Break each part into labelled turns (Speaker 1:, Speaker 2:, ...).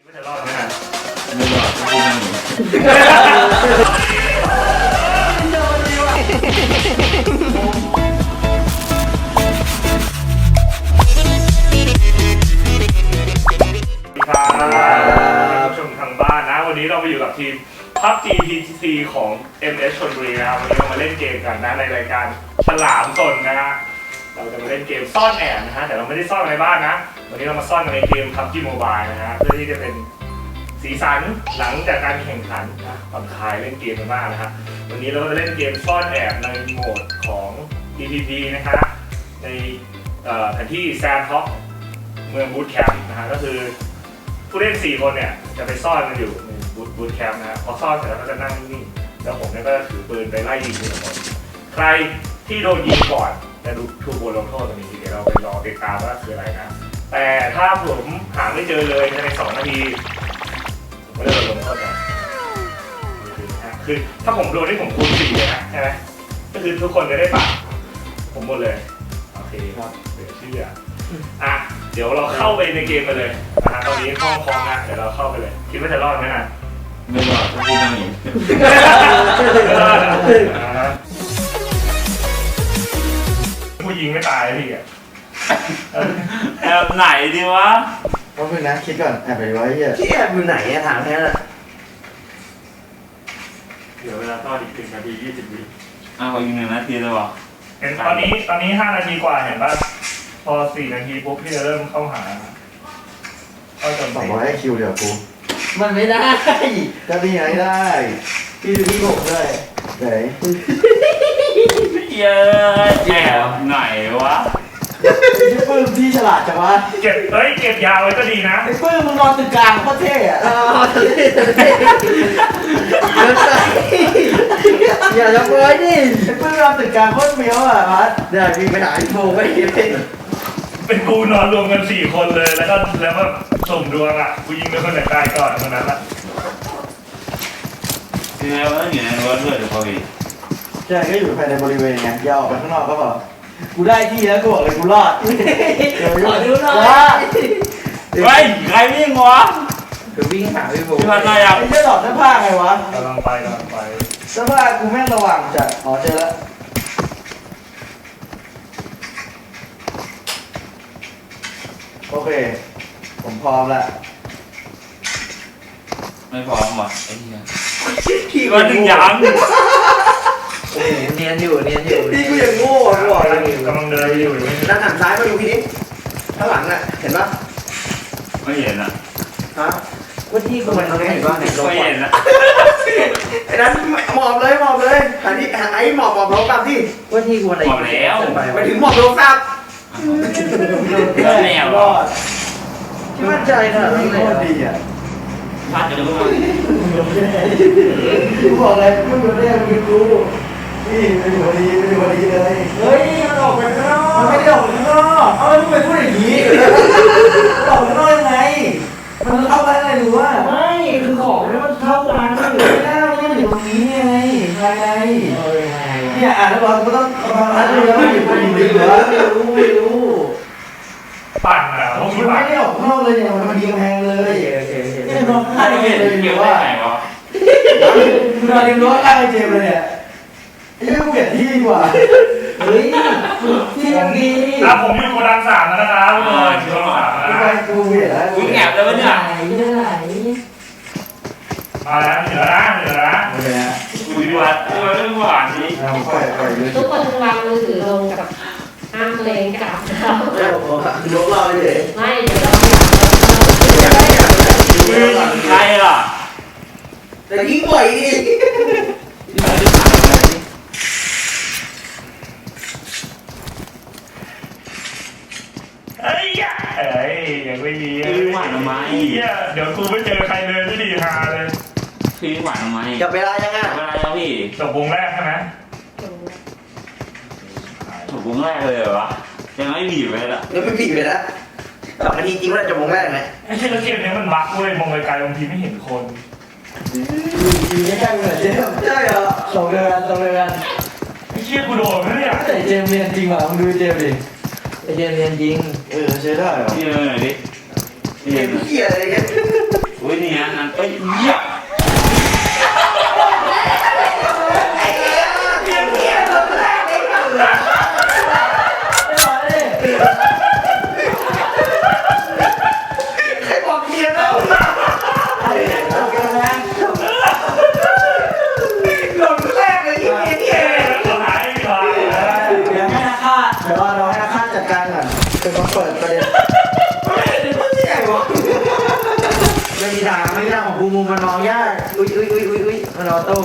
Speaker 1: ไม่จะรอดไหมฮะ
Speaker 2: ไม่รอดกูนั่งอยู่
Speaker 1: ครับผู้ชมทางบ้านนะวันนี้เราไปอยู่กับทีม PUBG PTC ของ MS ชลบุรีนะครับวันนี้เรามาเล่นเกมกันนะในรายการฉลามสนนะฮะเราจะมาเล่นเกมซ่อนแอบนะฮะแต่เราไม่ได้ซ่อนในบ้านนะวันนี้เรามาซ่อนในเกม PUBG Mobile นะฮะเพื่อที่จะเป็นสีสันหลังจากการแข่งขันนะผ่อนคลายเล่นเกมกันบ้างนะฮะวันนี้เราก็จะเล่นเกมซ่อนแอบในโหมดของ PVP นะครับในแผนที่แซนท็อกเมืองบูธแคมป์นะฮะก็คือผู้เล่น4คนเนี่ยจะไปซ่อนกันอยู่ในบูธแคมป์นะพอซ่อนเสร็จแล้วก็จะนั่งนิ่งแล้วผมเนี่ยก็จะถือปืนไปไล่ยิงทีละคนใครที่โดนยิงก่อนจะถูกบทลงโทษตรงนี้เดี๋ยวเราไปรอติดตามว่าคืออะไรนะแต่ถ้าผมหาไม่เจอเลยใน2 นาทีผมก็จะโดนลงโทษก่อนคือถ้าผมโดนที่ผมคูณ4เลยนะใช่ไหมก็คือทุกคนจะได้ปากผมหมดเลยโอเคครับเดี๋ยวเชื่ออ่ะเดี๋ยวเราเข้าไปในเกมกันเลยนะฮะตอนนี้ห้องพร้อมนะเดี๋ยวเราเข้าไปเลยคิดว่าจะรอดไหมนะ
Speaker 2: ไม่รอดกูนั่งอยู่
Speaker 1: ผู้ยิงไม่ตายพี่อ่ะ
Speaker 2: แอบไหนดีวะ
Speaker 3: ว่าเพื่อนนะคิดก่อนแอบไปไว้เหี้ย
Speaker 4: ที่แอบอยู่ไหนอะถามแค่นั้น
Speaker 1: เดี๋ยวเวลาซ่อนอีก1 นาที 20 วิ
Speaker 2: อ้าวอีก1 นาทีเลยวะ
Speaker 1: เห็นตอนนี้5 นาทีกว่าเห็นป่ะพอ4 นาทีปุ๊บพี่จะเริ่มเข้าหาเข้าจน
Speaker 3: 200คิวเดี๋ยวกู
Speaker 4: มันไม่ได้
Speaker 3: จะมีไหนได้
Speaker 4: พี่ดูที่ผมด้วย
Speaker 3: ไหน
Speaker 2: เย้แอบไหนวะ
Speaker 3: พี่ปื้มพี่ฉลาดจังวะ
Speaker 1: เก็บยาวไว้ก็ดีนะ
Speaker 3: ไอ้ปื้มมึงนอนตึกกลางโคตรเท่อะอย่าจะเปยดิไอ้ปื้มนอนตึกกลางโคตรเมียวอะพัดเดี๋ยวพี่ไปหาไอ้โมไม่เห็น
Speaker 1: เป็นกูนอนรวมกัน4 คนเลยแล้วก็สุ่มดวงอ่ะกูยิงเป็นคนไหนตายก่อนคนนั้นละ
Speaker 2: คือว่าอยู่ในรถด้วยเดี๋ยวพอดี
Speaker 3: ใช่ก็อยู่ภายในบริเวณไงอย่าออกไปข้างนอกก็พอกูได้ที่แล้วกูบอกเลยกูรอด
Speaker 4: ขอดูหน่อย
Speaker 2: เฮ้ยใครวิ่งวะ
Speaker 4: เดี๋ยววิ่งหาพี่บู
Speaker 2: พี่พันอะไรอ่ะ
Speaker 3: ไอ้เจ้าดอกเสื้อผ้าไงวะ
Speaker 1: กำลังไป
Speaker 3: เสื้อผ้ากูแม่งระวังจัดอ๋อเจอแล้วโอเคผมพร้อมแล้ว
Speaker 2: ไม่พร้อมว่ะไอ้เหี้ย
Speaker 4: พี่
Speaker 2: ก็ดึงยัง
Speaker 4: เนียนอยู่
Speaker 3: พี่กูยังโง่กูบอกเลย
Speaker 1: กำลังเดินอยู่
Speaker 4: ด้านหันซ้ายมาดูพี่นิดข้างหลังน่ะเห็นปะ
Speaker 2: ไม่เห็นอ่ะ
Speaker 4: ฮะว่าที่กูมันเห็นปะ
Speaker 2: ไม่เห็นอ่ะ
Speaker 4: ไอ้นั้นหมอบเลยหาที่ไอ้หมอบลงตามที่ว่าที่กูอะไร
Speaker 2: หมอบแล้ว
Speaker 4: ไปถึงหมอบลงตาม
Speaker 2: แนว
Speaker 3: รอดที่มั่นใจขนาดนี้โคตรดีอ่ะ
Speaker 2: พัดจะรู้
Speaker 3: กูบอกเลยมึงเรียกมึงรู้นี่เป็นคนดีเลยเฮ้ยมันออกไปข้างนอกมันไม่ได้ออกไปข้างนอกเอาแล้วมึงไปพูดอย่างนี้ออกไปข้างนอกยังไงมันเข้าไปอะไรหรือว่า
Speaker 4: ไม่คือของนี่มันเข้ากัน
Speaker 3: ไม่ได้มันอยู่ตรงนี้ไงภายในเนี่ยอ่านแล้วเราต้องฟังแล้วแล้วมันอยู่ตรงนี้เหรอไม่รู้
Speaker 1: ปั่นอ่ะ
Speaker 3: มันไม่ได้ออกข้างนอกเลยเนี่ยมันดีกำแพงเลยเนี่ยนอนข้างเลย
Speaker 2: เกี่ยว
Speaker 3: ว่า
Speaker 2: ไหนวะ
Speaker 3: นอนริมรั้วข้างไอ้เจมเลยเนี่ยไอ้เรื่องเปลี่ยนที่ดีกว่าเฮ้ยที่ยังดี
Speaker 1: ผมอยู่โกดัง3แล้วนะครับทุกคนโกดัง3
Speaker 3: นะกูเปลี่ยนแล้ว
Speaker 2: กูแอบแล้วเนี่ย
Speaker 1: มาแล้วเหลือนะ
Speaker 3: โอเคนะ
Speaker 2: กูดูว่าเรื่องหวานนี้
Speaker 5: ทุกคนวางมือถือลงกับห้ามเลงกับเรา
Speaker 3: ยกเราเลย
Speaker 5: ไม่เดี๋ยวเรา
Speaker 2: ใครล่ะ
Speaker 4: แต่ยิ่งบ่อยดิ
Speaker 1: ยังไม่มี
Speaker 2: หวานทำไม
Speaker 1: เดี๋ยวกูไม่เจอใครเลยไม่ดีฮาเลย
Speaker 2: พี่หวานทำไม
Speaker 4: จับเวลายังไง
Speaker 2: เวลาแล้วพี่
Speaker 1: จบวงแรกใช่ไหม
Speaker 2: จบวงแรกเลยเหรอวะยังไม่บีบเลยล่ะ
Speaker 4: ยังไม่บีบเลยนะ2 นาทีจริงว่าจะวงแรกไง
Speaker 1: ไอ้เกมนี้มันบั๊กเว้ยมองไกลๆบางทีไม่เห็นคน
Speaker 3: ดีแค่เหมือนเจม
Speaker 4: ใช่เหรอ
Speaker 3: 2 เดือน
Speaker 1: ไอ้เชี่ยกูโดนเนี่ย
Speaker 3: แต่เจมเรียนจริงว่ะมึงดูเจมดิ
Speaker 4: ไอ้เจมเรียนจริง
Speaker 3: ใช้ได้เหรอ
Speaker 2: พี่เลยดิ
Speaker 4: เรียนเหี้ยอะไรเนี่ย
Speaker 2: กูอุ้ยนี่นะนั่นเอ้ยเหี้ย
Speaker 4: ใครบอกเมียแล้วหล่นแรกเลยที่เมียเนี่ย
Speaker 1: สุดท้ายไม่พอ
Speaker 3: เดี๋ยวให้นักฆ่าเดี๋ยวเราให้นักฆ่าจัดการก่อนเป็นคนเปิดประเด็น
Speaker 4: ไม่ได้เป็นคนที่ไหนวะ
Speaker 3: ไม่มีทางไม่มีทางของกูมุมมันมองยากอุ้ยมันออโต้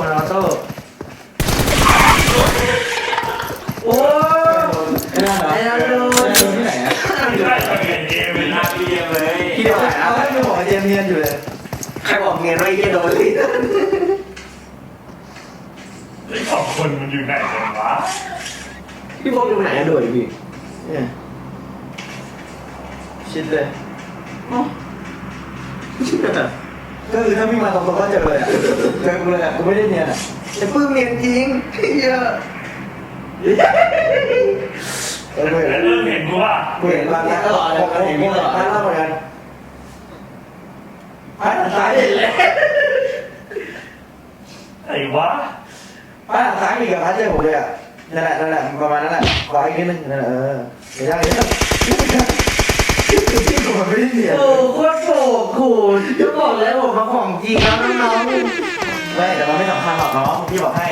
Speaker 3: โอ้ยไอ้นั่นโดนที่ไหนอะ
Speaker 1: ไม่ได้ทำเงินเกม
Speaker 2: เป็นหน้าพี่เลี้ยงเลย
Speaker 3: ที่เดียวกันแล้วไม่บอกเจมเนียนอยู่เลย
Speaker 4: ใครบอกเมียว่าไอ้เหี้ยโดนเลย
Speaker 1: ไอ้สองคนมันอยู่ไหนกันวะ
Speaker 4: พี่พบอยู่ไหนอะโดดพี่
Speaker 3: เนี่ยชิดเลยก็คือถ้าวิ่งมาตรงๆก็เจอเลยอ่ะเจอกูเลยอ่ะกูไม่ได้เนียนอ่ะ
Speaker 4: แต่ปื้มเมียจริงเหี้ย
Speaker 3: เออกูเห็น
Speaker 1: แล้วเริ่มเห็นกูว่า
Speaker 3: กูเห็นบางนัดตลอดเลยกูเห็นตลอดนัดเล่าเหมือนกันพัดซ้ายเห็นเลย
Speaker 1: ไอ้วะ
Speaker 3: พัดซ้ายมีกับพัดเจอผมเลยอ่ะนั่นแหละประมาณนั้นแหละขวาอีกนิดนึงนั่นแหละเดี๋ยวพี่ผมไม่ได้เนียน
Speaker 4: โอ้โคตรโผล่ขู่จะบอกเลยผมมาของจริงแล้วน้อง
Speaker 3: ไม่แต่มันไม่สำคัญหรอกน้องพี่บอกให้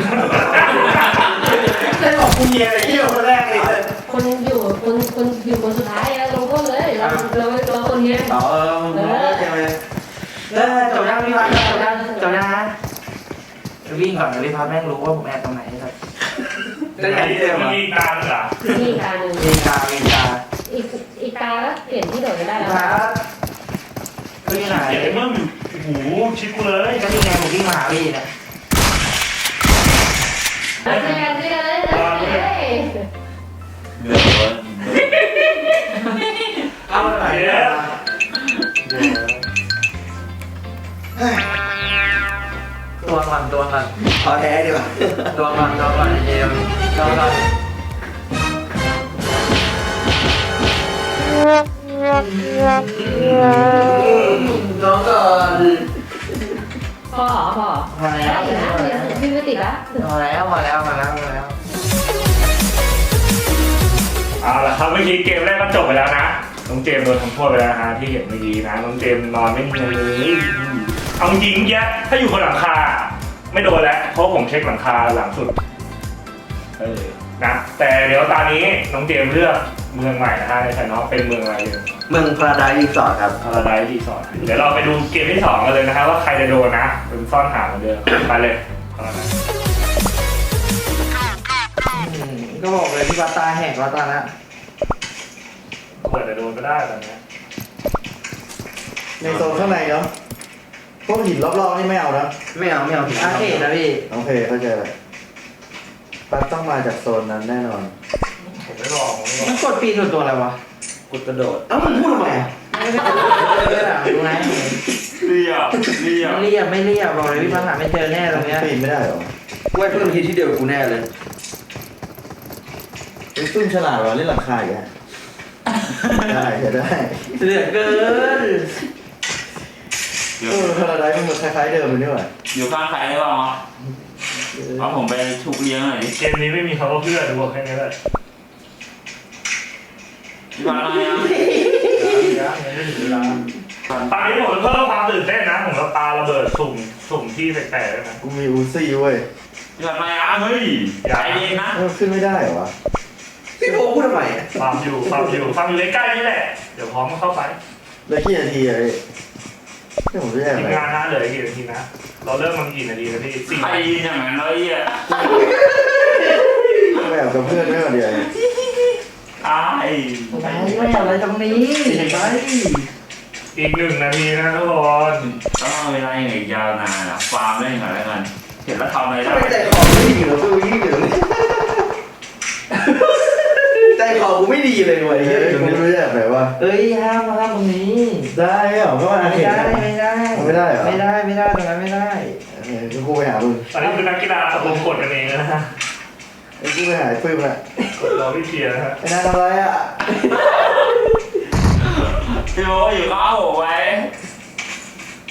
Speaker 4: ๆได้บอกกูเมียอะไรที่คนแรกเลย
Speaker 5: คนอยู่คนสุดท้ายลงโทษเลยเราคนเนี้ย
Speaker 3: อ๋อเจมเลยจบยังพี่พัดจบยังนะวิ่งก่อนเดี๋ยวพี่พัดแม่งรู้ว่าผมแอบตรงไหนครับ
Speaker 4: จะไหนที่เดิม
Speaker 1: มัน
Speaker 4: อ่ะ
Speaker 1: มีตามเหรอ
Speaker 5: นี่การหนึ่ง
Speaker 3: มีตา
Speaker 5: อีกตาแล้วเปลี่ยนที่โดดได้แล้ว
Speaker 3: พัดก็ยังไง
Speaker 1: ไอ้เมื่อมโอ้โหชิดกูเลย
Speaker 3: ก็ยังไงผมวิ่งมาหาพี่เนี่ย
Speaker 5: เจอกันเลย
Speaker 2: เดือดร้อน
Speaker 3: เอาหน่อยตัวมัน
Speaker 4: ขอแท้ดีกว่า
Speaker 3: ตัวมันเจมตัวมัน
Speaker 4: น้องก่อน
Speaker 5: พอ
Speaker 3: มาแล้ว
Speaker 5: ได้อยู่นะพี่ไม่ติดละ
Speaker 3: มาแล้ว
Speaker 1: เอาละครับเมื่อกี้เกมแรกก็จบไปแล้วนะน้องเจมส์โดนทำโทษไปแล้วนะฮะที่เห็นเมื่อกี้นะน้องเจมส์นอนไม่เนียนเลยเอาจริงๆแยถ้าอยู่บนหลังคาไม่โดนแล้วเพราะผมเช็คหลังคาหลังสุดนะแต่เดี๋ยวตอนนี้น้องเจมส์เลือกเมืองใหม่นะฮะในไฟนอลเป็นเมืองอะไรดี
Speaker 4: เมืองพาราไดซ์รีสอร์ทครับ
Speaker 1: พาราไดซ์รีสอร์ทเดี๋ยวเราไปดูเกมที่2กันเลยนะครับว่าใครจะโดนนะเป็นซ่อนหาเหมือนเดิมไปเลย
Speaker 3: ก็บอกเลยพี่พัดตาแหกแล้วตอนนั้น
Speaker 1: เปิดจะโดนก็ได้ตอนนี้
Speaker 3: ในโซนข้างในเนาะพวกหินรอบๆนี่ไม่เอานะ
Speaker 4: ไม่เอาถึง
Speaker 3: อาเขตนะพี่โอเคเข้าใจเลยปั๊บต้องมาจากโซนนั้นแน่นอน
Speaker 1: ผมไม่ลอง
Speaker 3: มันกดปีนตัวอะไรวะ
Speaker 4: กดกระโดดเอ้ามันพูดทำไมอ่ะ
Speaker 3: ดูไง
Speaker 2: เรียบ
Speaker 3: ไม่เรียบบอกเลยพี่พัดหาไม่เจอแน่ตรงเนี้ยปีนไม่ได้หรอ
Speaker 4: กูให้เพื่อนคิดที่เดียวกับกูแน่เลย
Speaker 3: เป็นซุ่มฉลาดวะเล่นหลังคาอย่างเงี้ยได้เหลือเกินพาราไดซ์มันคล้ายๆเดิมเลยนี่หว่า
Speaker 2: อยู่ข้างใครได้บ้างวะเอาผมไปชุบเลี้ยงหน่อยดิ
Speaker 1: เกมนี้ไม่มีคำว่าเพื่อนดูแค่นี้แหละ
Speaker 2: พี่บอลอะไรอ่ะ
Speaker 1: ตอนนี้ผมเพิ่มความตื่นเต้นนะผมจะปาระเบิดสุ่มที่แปลกๆด้วยนะ
Speaker 3: กูมีอูซี่เว้ย
Speaker 2: พี่บอลอะไรอ่ะเฮ้ยใจเย็นนะ
Speaker 3: ขึ้นไม่ได้เหรอวะ
Speaker 4: พี่โบพูดทำไมอ่ะ
Speaker 1: ฟาร์มอยู่ใกล้ๆนี่แหละเดี๋ยวพร้อมเข้าไป
Speaker 3: แล้วกี่นาทีอะพี่ที่ผมจะแอบ
Speaker 1: ทีม
Speaker 3: ไหน
Speaker 1: งานนะเหลือกี่นาทีนะเราเริ่มมันกี่นาทีนะพี่สี่
Speaker 2: ใครยืนอย่างนั้นเลยอ่ะ
Speaker 3: แอบกับเพื่อนไม่ก่อนเดียว
Speaker 2: ตาย
Speaker 3: ไม่เอาอะไรตรงนี้ไป
Speaker 1: อีก1 นาทีนะทุกคน
Speaker 2: ต้องเอาเวลาอย่างยาวนานอ่ะฟาร์มเล่นก่อนแล้วกันเห็นแล้วทำอะไร
Speaker 4: ทำ
Speaker 2: ได้
Speaker 4: ไมใจคอไม่ดีเหรอกูยิ่งอยู่ตรงนี้ใจคอกูไม่ดีเลยว่ะไอ้
Speaker 3: เฮ้
Speaker 4: เหี้ย
Speaker 3: ยตรงนี้ไม่ได้แบบไหนวะ
Speaker 6: เอ้ยห้ามตรงนี้
Speaker 3: ได้เหรอเพราะว่า
Speaker 6: ไม่ได้ไม่ได้
Speaker 3: ไม่ได้เหรอ
Speaker 6: ไม่ได้ตรงนั้นไม่ได้
Speaker 3: กูไปหามึง
Speaker 1: ตอนนี้คือนักกีฬาตะลุมกดกันเองนะฮะ
Speaker 3: ไอ้กูไปหาปื้มละ
Speaker 1: กดรอพี่เทียร์นะฮะ
Speaker 3: ไอ้นั่นทำอะไรอ่ะ
Speaker 2: พี่โบอยู่ข้าวหัวไว้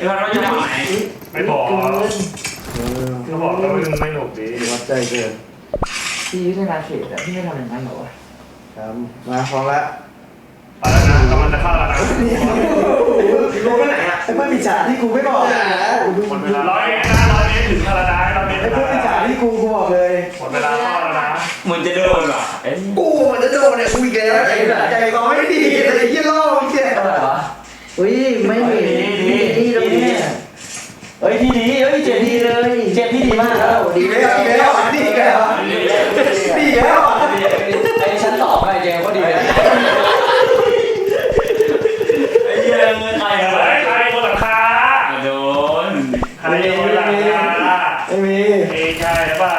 Speaker 2: พี่พัดเราอยู่ฝั่งไหน
Speaker 1: ไม่บอกเขาบอกว่ามันไม่หนุกดี
Speaker 3: วัดใจเกิน
Speaker 6: พี่ยุทธนาเขตอะพี่ไม่ทำอย่างนั้นเหรอวะ
Speaker 3: ครับมาพร้อมแล้ว
Speaker 1: ไปแล้วนะกำลังจะเข้าแล้วนะ
Speaker 4: รู้ไปไหนอ่ะ
Speaker 3: ไอ้เพื่อนมิจฉาที่กูไม่บอกนะ
Speaker 1: หมดเวลา100 เมตรนะ100 เมตรถึงพาราไดซ์100 เมตร
Speaker 3: ไอ้เพื่อนมิจฉาที่กูบอกเลย
Speaker 1: หมดเวลาเข้าแล้วนะ
Speaker 2: เหมือนจะโดนว่ะเอ้ย
Speaker 4: กูมันจะโดนเนี่ยกูอีกแล้วใจคอไม่ดีอะไรยี่ล่อมึงเนี่ย
Speaker 6: อะไรวะอุ้ยไม่ดีดีตรงนี้เฮ้ยพี่ดีเฮ้ยเจ็บดีเลยเจ็บพี่ดีมากแล้ว
Speaker 4: ดีแล้วดีแล้วดีแล้วดีแล้ว
Speaker 6: ไอ้ชั้นสองไอ้เจมก็ดีเลย
Speaker 2: ไอ้เหี้ยเงินใคร
Speaker 1: เฮ้ยใครบนหลังคา
Speaker 2: โดน
Speaker 1: ใครบนหลังคา
Speaker 3: ไม่มี
Speaker 1: เอ้ใช่หรือเปล่า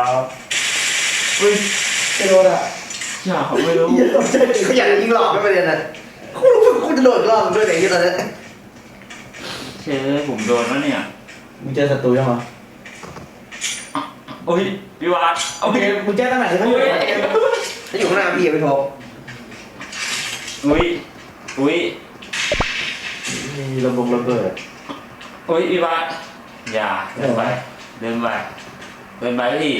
Speaker 3: ไม่โดนอ่ะ
Speaker 2: อย่าเขาไม่รู้
Speaker 4: เขาอยากยิงหลอกไม่ประเด็นน่ะกูรู้สึกกูจะโดนรอบด้วยไหนที่ตอนนี้
Speaker 2: เชื่อผมโดนแล้วเนี่ย
Speaker 3: มึงเจอศัตรูยังเหรอ
Speaker 2: โอ้ยพี่วัด
Speaker 3: โอเคมึงแจ้งตั้งไหนใช่ไหม
Speaker 4: ถ้าอยู่ข้างหน้าพี่ไปโทร
Speaker 2: อุ้ยอุ้ย
Speaker 3: มีระเบิด
Speaker 2: อุ้ยพี่วัดอย่าเดินไปเดินไปเดินไปพี่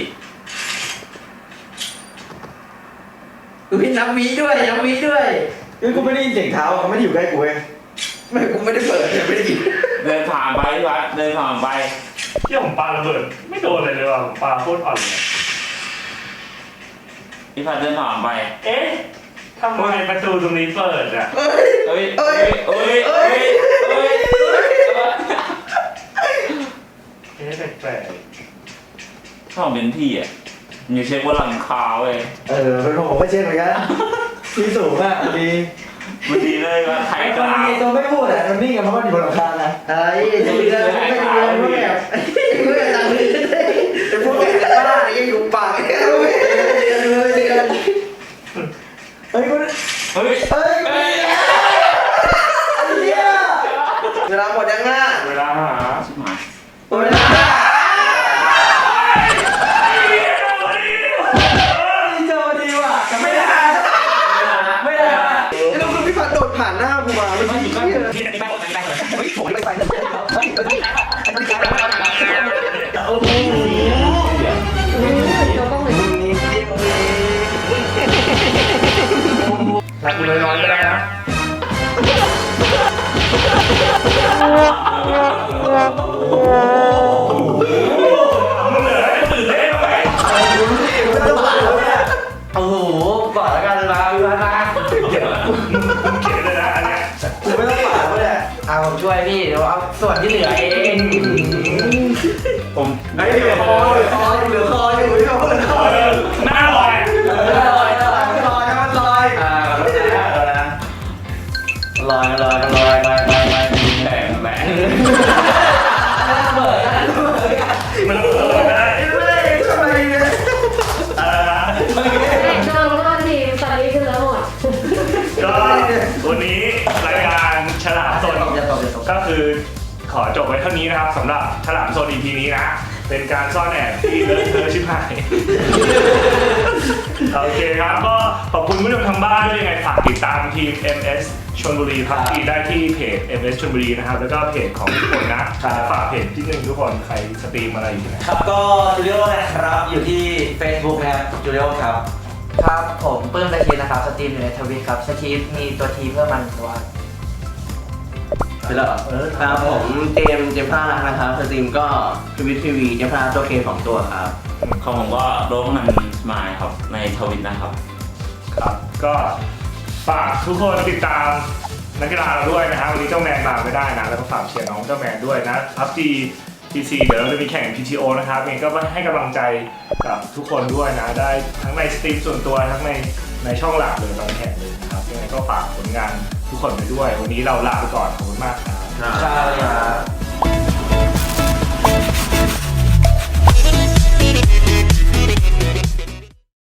Speaker 6: อุ้ยน้ำวีด้วยน้ำวีด้วย
Speaker 3: คือกูไม่ได้ยินเสียงเท้าเขาไม่ได้อยู่ใกล้กูเอง
Speaker 4: ไม่กูไม่ได้เปิดไม่ได้ยิน
Speaker 2: เดินผ่านไปพี่วัดเดินผ่านไป
Speaker 1: ที่ผมปาระเบิดไม่โดนเลยเลยว่ะผมปาโคตรอ่อนเลย
Speaker 2: พี่พัดเดินผ่านไป
Speaker 1: เอ๊ะทำไมประตูตรงนี้เปิดอ่ะ
Speaker 2: เอ้ยเอ้ยเอ้ยเอ้ยเอ้ย
Speaker 1: เอ๊ะแปลก
Speaker 2: ชอบเป็นพี่อ่ะอยู่เช็คว่าหลังคาเว้ย
Speaker 3: เป็นผมก็เช่นเหมือนกันที่สูงอ่ะดี
Speaker 2: มันดีเลยว่าใคร
Speaker 3: ไอ้
Speaker 2: ก
Speaker 3: ตัว
Speaker 2: ล้า
Speaker 3: นี้ตัวไม่พูดอ่ะมันนิ่งอ่ะเพราะมันอยู่บนหลังคานะ
Speaker 4: ไอ้ดีแล้วไม่ดีแล้วไม่แบบไม่แบบตังค์เลยแต่พวกแกบ้าเนี่ยยังอยู่ปากเนี่ยไม่เดือนเลยเดือน
Speaker 3: เฮ้ยกู
Speaker 2: เฮ้ย
Speaker 3: เฮ้ย
Speaker 2: เฮ้ย
Speaker 4: เวลาหมดยังอ่ะ
Speaker 1: เวลาหา
Speaker 2: ชิบหาย
Speaker 4: หมดเวลา
Speaker 3: เจอดีว่ะแต่ไม่ได้ไม่ได้
Speaker 4: แล้วคุณพี่พัดโดดผ่านหน้ากูมาเมื่อกี้
Speaker 3: ผมไม่ไป
Speaker 4: โอ้โห
Speaker 5: เราต้องเหมือน
Speaker 1: รักกูน้อยๆก็ได้นะมึงเหลือให้ตื่นเต้นไหม
Speaker 6: โอ้โหก่อนแล้วกันมาพี่พัดมา
Speaker 1: เดี๋ยวมึงเขียนเลยนะอันเนี้ย
Speaker 3: กูไม่ต้องป่าเลย
Speaker 6: เอาผมช่วยพี่เดี๋ยวเอาส่วนที่เหลือเอง
Speaker 2: ผม
Speaker 1: ไอ้เหลือคอเหลือคอ
Speaker 4: เหลือคออยู่เหลือคอเหลือคอ
Speaker 1: หน้าลอย
Speaker 6: ลอยลอยลอยมันลอยอ่าลอยลอยลอยลอยลอยลอย
Speaker 2: แบ่งแบ่ง
Speaker 6: เปิด
Speaker 1: มันเปิดได้
Speaker 4: ทำไมเนี่ย
Speaker 1: อะไรนะ
Speaker 5: โดนโทษทีตอนนี้คือแล้วหมด
Speaker 1: ก็วันนี้รายการฉลามสนก็คือขอจบไว้เท่านี้นะครับสำหรับฉลามโซน EP นี้นะ เป็นการซ่อนแอบที่เลอะเทอะชิบหาย โอเคครับก็ขอบคุณผู้ชมทางบ้านด้วยยังไงฝากติดตามทีม MS ชลบุรีพักดีได้ที่เพจ MS ชลบุรีนะครับแล้วก็เพจของทุกคนนะฝากเพจที่หนึ่งทุกคนใครสตรีมอะไรอยู่ที่ไหน
Speaker 3: ครับก็จูเลียนะครับอยู่ที่ Facebook นะครับจูเลียครับ
Speaker 6: ครับผมปื้มตะคีนะครับสตรีมอยู่ในทวิตครับสตรีมมีตัวทีเพื่อมันตัว
Speaker 3: ไปแล้วครับผมเจมส์พลาดนะครับสตรีมก็ทวิตทีวีเจมส์พลาดตัวเค2ตัวครับ
Speaker 2: ของผมก็โดนมันมาครับในทวิตนะครับ
Speaker 1: ครับก็ฝากทุกคนติดตามนักกีฬาเราด้วยนะฮะวันนี้เจ้าแมนมาไม่ได้นะแล้วก็ฝากเชียร์น้องเจ้าแมนด้วยนะพับจีPC เดี๋ยวเราจะมีแข่ง PTO นะครับเองก็ให้กำลังใจกับทุกคนด้วยนะได้ทั้งในสตรีมส่วนตัวทั้งในช่องหลักเลยตอนแข่งเลยนะครับยังไงก็ฝากผลงานทุกคนไปด้วย วันนี้เราลาไปก่อนขอบคุณมากครับ
Speaker 3: ครับ